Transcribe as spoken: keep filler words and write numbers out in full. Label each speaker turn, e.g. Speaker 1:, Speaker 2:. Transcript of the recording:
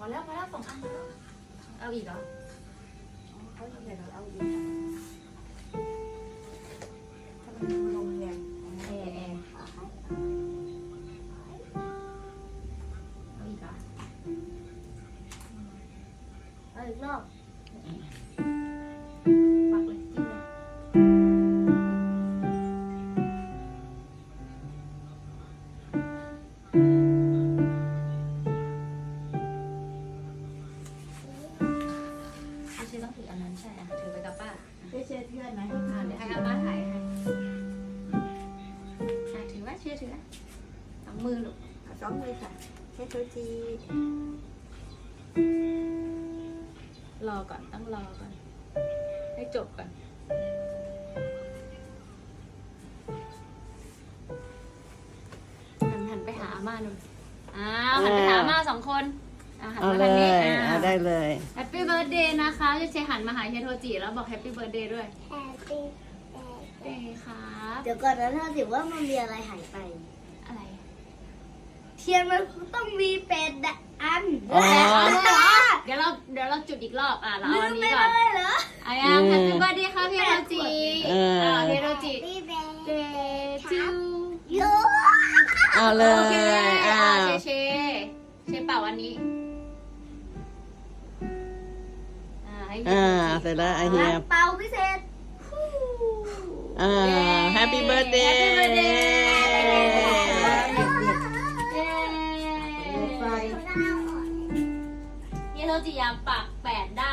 Speaker 1: อแล้วพอแล้วสองอันแล้วเอาอีกเหรอเขาจะเดี๋ยวเราเอาอีกถ้ามันลมแรงแอร์แอร์เอาอีกเหรอเอาอีกรอบปักเลยจิ้มเลยไม่ใช่ต้องถืออันนั้นใช่อ่ะถือไปกับป้า
Speaker 2: ได้เชื่อเพื่อนไหม
Speaker 1: อ่าเดี๋ยวให้อาป้าถ่ายให้อ่ะถือว่าเชื่อถือนะสองมือลูก
Speaker 2: สองมือค่ะเช็ดตัวจี
Speaker 1: รอก่อนต้องรอก่อนให้จบก่อนหันหันไปหาอาม่าหน่อยอ้าวหันไปหาอาม่าสองคนอ่ะหัน
Speaker 2: เอา
Speaker 1: มา
Speaker 2: เล
Speaker 1: ทางนี้
Speaker 2: ย
Speaker 1: อ่า
Speaker 2: เอาได้เลย
Speaker 1: แฮปปี้เบิร์ดเดย์นะคะจะเชหันมาหาเฮยโทจิแล้วบอกแฮปปี้เบิร์ดเดย์ด้วย
Speaker 3: Happy
Speaker 1: เดย์ครับ
Speaker 3: เดี๋ยวก่อนนะถ้าถือว่ามันมีอะไรหายไป
Speaker 1: อะไร
Speaker 3: เทียนมันต้องมีเป็ดอัน
Speaker 2: อ๋อ
Speaker 1: เดี๋ยวเราเดี๋ยวเราจุดอีกรอบอ่ะเรา
Speaker 3: ลื
Speaker 1: เอาอั
Speaker 3: ม
Speaker 1: น
Speaker 3: ไป
Speaker 1: นี้ก่อน
Speaker 3: เลยเหรอ
Speaker 1: อายังแฮปปี้เบิร์ดเดย์ครับเฮยโทจิ
Speaker 2: เอออ่
Speaker 1: าเฮยโทจิ
Speaker 3: Happy
Speaker 1: เด
Speaker 3: birthday
Speaker 1: ย์จู
Speaker 3: you
Speaker 2: เอาเล
Speaker 1: โอเค
Speaker 2: ย
Speaker 1: อ่า
Speaker 2: อ้าว
Speaker 1: เชเชเชเป่าอันนี้อ่าให้เฮีย
Speaker 2: อ่า
Speaker 1: โทจิ
Speaker 2: เสร็จแล้วไอเฮีย
Speaker 3: เป่าพิเศษ
Speaker 2: อ่าแฮปปี้เบิร์ดเดย์
Speaker 1: แฮปปี้เบิร์ดเดย์เย้
Speaker 3: ไฟ
Speaker 1: เฮียโทจิอยากปักแปดด้าน